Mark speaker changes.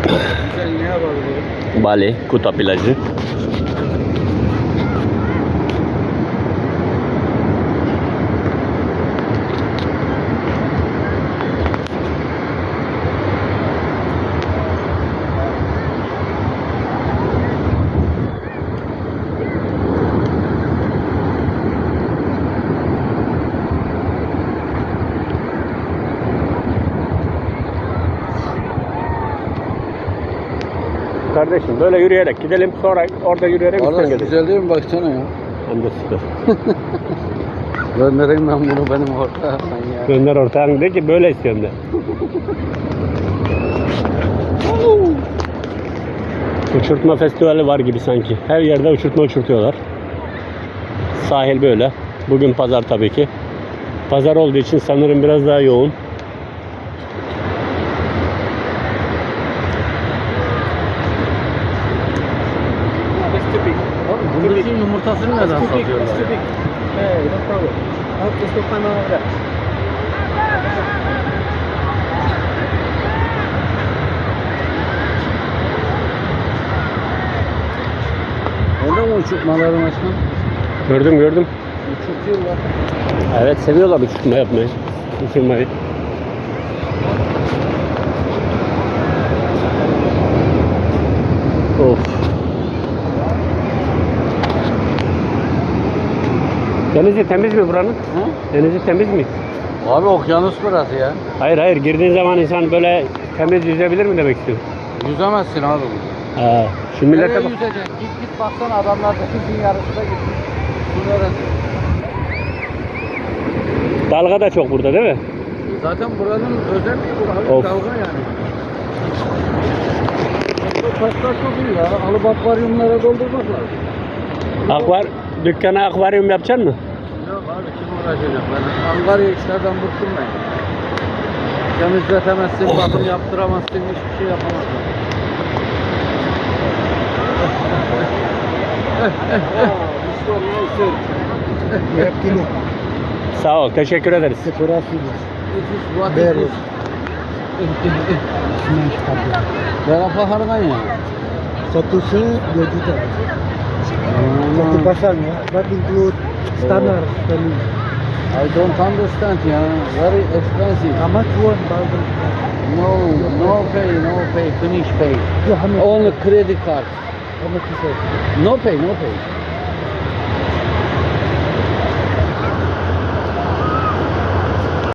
Speaker 1: Sen ne yapalım?
Speaker 2: Bali, Kuta plajı. Kardeşim böyle yürüyerek gidelim, sonra orada yürüyerek
Speaker 1: Valla
Speaker 2: üstten
Speaker 1: güzel değil mi? Baksana ya.
Speaker 2: Hem de süper.
Speaker 1: Göndereyim ben bunu benim ortağıma ya.
Speaker 2: Gönder ortağın de ki böyle istiyorum de. Uçurtma festivali var gibi sanki. Her yerde uçurtma uçurtuyorlar. Sahil böyle. Bugün pazar tabii ki. Pazar olduğu için sanırım biraz daha yoğun.
Speaker 1: Bunun yumurtasını neden satıyorlar ya?
Speaker 3: Hey, no problem. I'll just go find my way.
Speaker 1: Orada mı uçurtmaların açma?
Speaker 2: Gördüm.
Speaker 1: Uçurtuyorlar.
Speaker 2: Evet, seviyorlar uçurtma yapmayı. Uçurmayı. Of. Denizi temiz mi buranın?
Speaker 1: Ha?
Speaker 2: Denizi temiz mi?
Speaker 1: Abi okyanus burası ya.
Speaker 2: Hayır, girdiğin zaman insan böyle temiz yüzebilir mi demek istiyorum.
Speaker 1: Yüzemezsin abi.
Speaker 2: Ha, şu
Speaker 1: Nereye
Speaker 2: millete bak.
Speaker 1: yüzeceksin? Git baksana adamlar denizin yarısına gitmiş. Bu neresi?
Speaker 2: Dalga da çok burada değil mi?
Speaker 1: Zaten buranın özelliği bu abi.
Speaker 2: Of.
Speaker 1: Dalga yani. Taşlar çok iyi ya. Alıp akvaryumlara doldurmak lazım.
Speaker 2: Dükkana akvaryum yapacaksın mı?
Speaker 1: Yok abi kim uğraşacak ben? Angarya işlerden bıktım ben. Temizletemezsin, bakım yaptıramazsın, hiçbir şey yapamazsın.
Speaker 2: Sağ ol, teşekkür ederiz.
Speaker 1: Berapa harganya?
Speaker 3: Satu se 2 juta. Satu pasangnya, that include standard value.
Speaker 1: I don't understand ya. Very expensive.
Speaker 3: How much you want, Barbara?
Speaker 1: No pay, finish pay.
Speaker 3: Yeah, how much?
Speaker 1: Only credit card.
Speaker 3: How much you say?
Speaker 1: No pay.